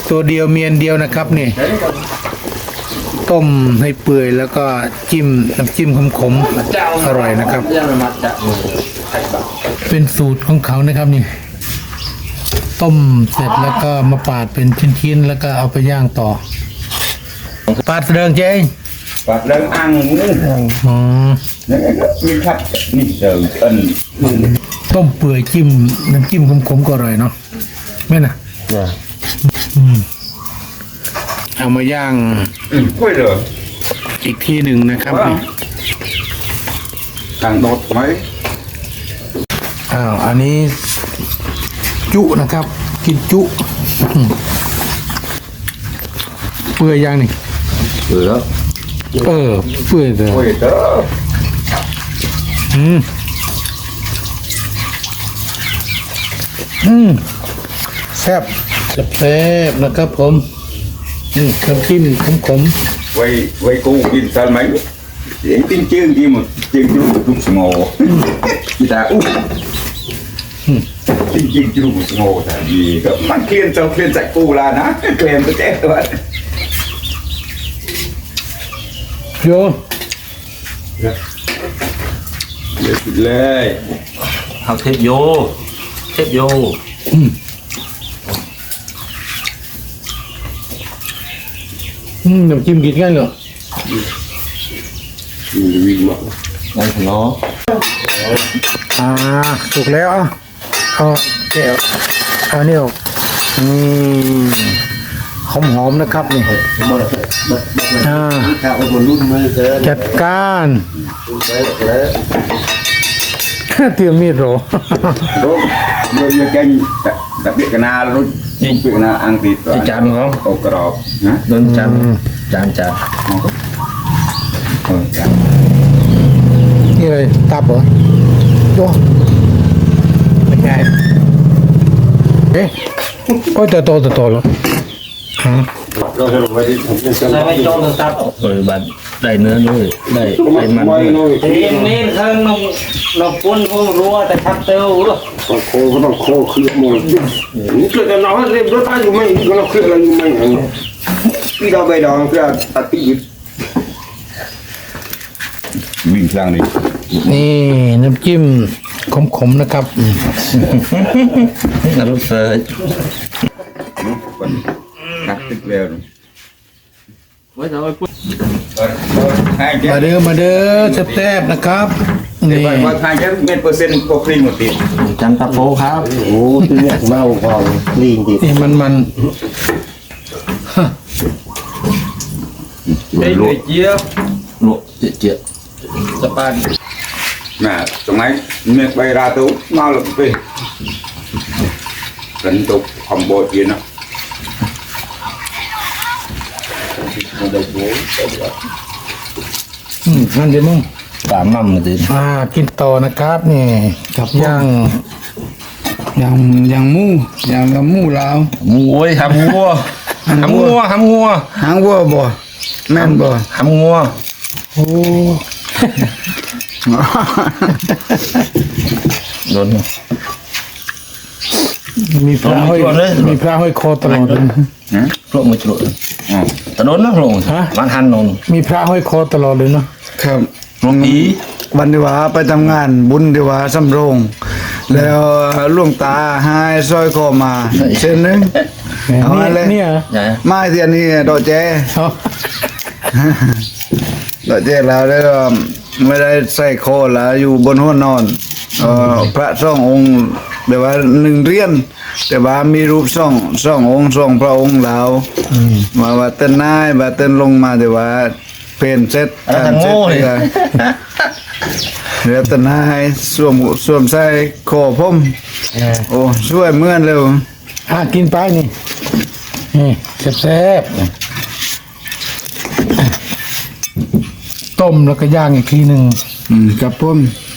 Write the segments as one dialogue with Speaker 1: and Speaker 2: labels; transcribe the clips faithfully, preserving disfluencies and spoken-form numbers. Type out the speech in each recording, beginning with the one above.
Speaker 1: ตัวเดียวเมียนเดียวนะครับนี่ต้มให้เปื่อยแล้วก็จิ้มน้ำจิ้มขมๆอร่อยนะครับเป็นสูตรของเขานะครับนี่ต้มเสร็จแล้วก็มาปาดเป็นชิ้นๆแล้วก็เอาไปย่างต่อปาดเริงเจ๊ง
Speaker 2: ปาดเริงอังนี่
Speaker 1: อ๋อ
Speaker 2: นี่ก็มีครับนี่เดิมเอิ้น
Speaker 1: ต้มเปื่อยจิ้มน้ำจิ้มขมๆก็อร่อยเนาะแม่น่ะอืมเอามาย่าง
Speaker 2: กล้วยเหรอ
Speaker 1: อีกทีหนึ่งนะครับนี่
Speaker 2: ต่างโดดไหม
Speaker 1: อ้าวอันนี้จุนะครับ กินจุเปื่อยย่างนี่
Speaker 2: เหลือ
Speaker 1: เออเปื่อยเลย
Speaker 2: กล้วยเด้อ
Speaker 1: อืมอืมแซ่บแซ่บนะครับผมนี่น้ำจิ้มขม
Speaker 2: ไว้ไว้กูกินสันไหมเสียงติ้งเจื้องที่หมดเจื้องจุกจุกสงอกีตาอู้ติ้งเจื้องจุกสงอแต่ดีก็มันเคลียนเจ้าเคลียนจากกูละนะเคลียนตัวเจ๊ตัว
Speaker 1: ๆโย
Speaker 2: เลย
Speaker 3: เอาเทปโยเทปโย
Speaker 1: อืมอืมน้ำจิ้มกินกันเหรอ
Speaker 2: วิ่งมา
Speaker 3: นั่นเนาะ
Speaker 1: อ่าสุกแล้วอ่ะเอาแก้วเอาเนี่ยออกนี่หอมหอมๆนะครับนี่อ่า
Speaker 3: ถ้าเอาคนรุ่นมือเกิน
Speaker 1: จัดการ
Speaker 3: แล้ว
Speaker 1: เตรียมมีดโหร
Speaker 2: รู้เมื่อเก่งแต่เบียกนารู้ยิ่งเบียกนาอังกฤษ
Speaker 3: ที่จานเขา
Speaker 2: โอกรอบนะ
Speaker 3: โดนจานจานจาน
Speaker 2: เออจ้ะ
Speaker 1: นี่เลยตับเหรอโยไม่ใช่เอ๊ะก็จะโตจะโตแล้วฮะ
Speaker 3: เราจะลงไปที่ผมจะได้ไม่จ้องตับเออบัดได้เนื้อด้วยได้ได้มันด้วย
Speaker 4: ทีนี้เธอน้องน้องปุ้นพวกรัวแต่ทับเต้าหรอ
Speaker 5: โคก็ต้องโคคือหมดนี่เกิดแต่น้องเรียบรถตายอยู่ไหมก็เราเคลื่อนอะไรอยู่ไหมพี่เราไปดองเพื่อตัดปีก
Speaker 2: วิ่งครั้งนี้
Speaker 1: นี่น้ำจิ้มขมๆนะครับ
Speaker 3: นรกเสือ
Speaker 2: คนตักติดแล้ว
Speaker 3: ไว้เอาไว้พูด
Speaker 2: ให้เจ๊
Speaker 1: มาเด้อมาเด้อแซ่บๆนะครับนี่
Speaker 2: ว่าทางเจ๊เม็ดเปอร์เซ็นต์พอคลีนหมดที
Speaker 3: จานตะโพครับ
Speaker 5: โอ้ที่เนี่ยเมาพองลีนดิ
Speaker 1: นี่มันมัน
Speaker 4: ไอ้เจี๊ยบ
Speaker 3: โลเจี๊ยเจี๊ย
Speaker 4: สปาน
Speaker 2: น่ะตรงไหนเม็ดใบราตุมาลงไปกันตุกคอมโบจีนะ
Speaker 1: อืมนั่นเดี๋ยวมึง
Speaker 3: ตามมั่มมาดิ
Speaker 1: อ่ากินต่อนะครับนี่กับย่าง
Speaker 5: อย่างอย่างมูอย่างกับมูลาว
Speaker 3: งูโอ้ยหำงัวหำงัวหำงัว
Speaker 5: หางวัวบ่แม่นบ่
Speaker 3: หำงัว
Speaker 1: โอ้
Speaker 3: โดน
Speaker 1: มีพระห้อยมีพระห้อยคอตลอดเลย
Speaker 3: พวกมือจุด
Speaker 2: อ๋อ
Speaker 3: แต่โดนนะพวกมันหันนน
Speaker 1: มีพระห้อยคอตลอดเลยเนาะ
Speaker 5: ครับ
Speaker 3: ลงอี
Speaker 5: วันที่ว่าไปทำงานบุญที่ว่าสำโรง แล้วหลวงตาให้สร้อยคอมาเส้นหนึง เอา
Speaker 1: นี่
Speaker 5: มาเลย
Speaker 1: เนี่ยเหรอ
Speaker 3: ใหญ่
Speaker 5: ไม้เทียนนี่ดอกแจ
Speaker 1: เอา
Speaker 5: ดอกแจแล้วแล้วก็ไม่ได้ใส่คอแล้วอยู่บนหัวนอนเอ่อพระสององค์เดี๋ยวว่าหนึ่งเหรียญแต่ว่ามีรูปสองสององค์สองพระองค์แล้ว
Speaker 1: อืม
Speaker 5: มาว่าเต้นนายว่าเต้นลงมาแต่ว่าเพนเสร็จ
Speaker 3: อะไร
Speaker 5: เสร็
Speaker 3: โง่
Speaker 5: จ
Speaker 3: เลย
Speaker 5: เลยเดี๋ยวเต้นนายสวมสวมใส่คอผม
Speaker 1: เออ
Speaker 5: โอ้ช่วยเหมือนเร็ว
Speaker 1: อ่ะกินไปนี่นี่แซ่บๆต้มแล้วก็ย่างอีกทีหนึ่ง
Speaker 5: อืมกับผม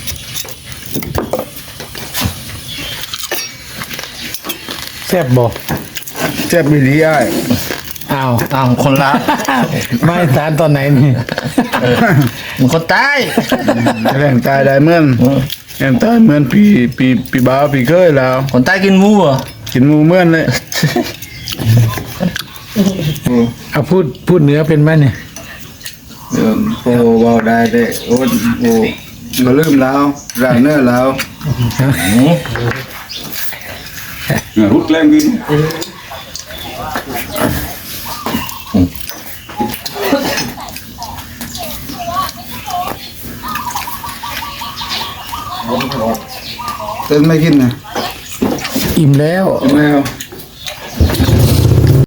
Speaker 1: แซ่บบ่
Speaker 5: เจ็บไม่ดีไอ้
Speaker 1: อ้าว
Speaker 3: อ้าวคนละ
Speaker 1: ไม่สารตอนไหนนี่
Speaker 3: มึงคนตาย
Speaker 5: แรงตายได้เหมือนแรงตายเหมือนพี่พี่พี่บ่าวพี่เคยแล้ว
Speaker 3: คนตายกินหมูเหรอ
Speaker 5: กินหมูเหมือนเลย
Speaker 1: เอาพูดพูดเหนือเป็นไหมเนี่ย
Speaker 5: เออพอเบาได้ได้โอ้โอ้มาลืมแล้วร่างเนื้อแล้ว
Speaker 2: รุดแรงกิน
Speaker 5: เต้นไม่กินนะ
Speaker 1: อิ่มแล้ว
Speaker 5: ไม่เอา